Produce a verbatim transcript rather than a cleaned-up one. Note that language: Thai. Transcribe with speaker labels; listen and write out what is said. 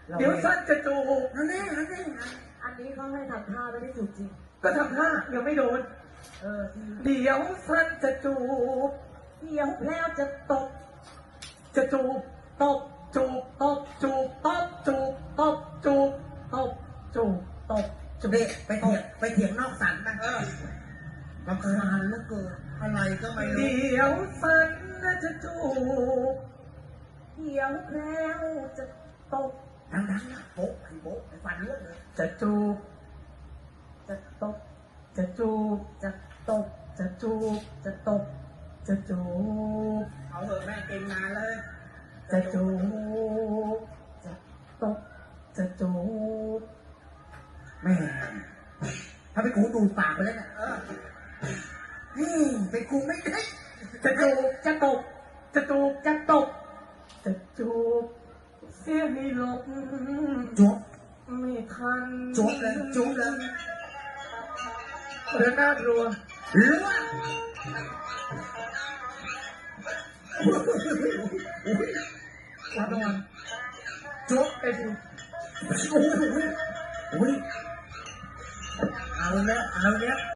Speaker 1: เดี๋ยวสั้นจะจูบ
Speaker 2: นั่นแน่นั่นแน่
Speaker 3: อันนี้เขาให้ทำท่าไม่ได้ถูกจริง
Speaker 1: ก็ทำท่ายังไม่โดน
Speaker 3: เออ
Speaker 1: เดี๋ยวสั้นจะจูบ
Speaker 3: เดี๋ยวแล้วจะตบ
Speaker 1: จะจูบ
Speaker 3: ตบ
Speaker 1: จูบ
Speaker 3: ตบ
Speaker 1: จูบ
Speaker 3: ตบจูบตบ
Speaker 1: จูบ
Speaker 3: ตบ
Speaker 1: จูบ
Speaker 3: ตบ
Speaker 2: จะไปไปเถียงไปเถียงนอกสันนะเออรำคาญแล้วเกินอะไรก็ไม่รู้
Speaker 1: เดี๋ยวสั้นจะจูบ
Speaker 3: เดี๋ยวแล้วจะตบ
Speaker 2: ดังๆนะโป๊ะไอ้โป๊ะไอ้ฟันเลือดเลย
Speaker 1: จะจูบ
Speaker 3: จะตบ
Speaker 1: จะจูบ
Speaker 3: จะตบ
Speaker 1: จะจูบ
Speaker 3: จะตบ
Speaker 1: จะจูบ
Speaker 2: เอาเถอะแม่เก่งนานเลย
Speaker 1: จะจูบ
Speaker 3: จะตบ
Speaker 1: จะจูบ
Speaker 2: แม่ถ้าไปนกูดูดปากไปแล้วเนี่ยเออนี่เป็นกูไม่ได้
Speaker 1: จะจูบ
Speaker 3: จะตบ
Speaker 1: จะจูบ
Speaker 3: จะตบ
Speaker 1: จะจูบ เสียให้หลบ
Speaker 2: จุ๊บ
Speaker 1: ไม่ทัน
Speaker 2: จุ๊บเลยจุ๊บเลย
Speaker 1: ระนาดรัว
Speaker 2: เลือด
Speaker 1: รับรางวัล
Speaker 2: จุ๊บ
Speaker 1: ไอ้ดู
Speaker 2: โอ้โหโอ้ยเอาแล้วเอาแล้ว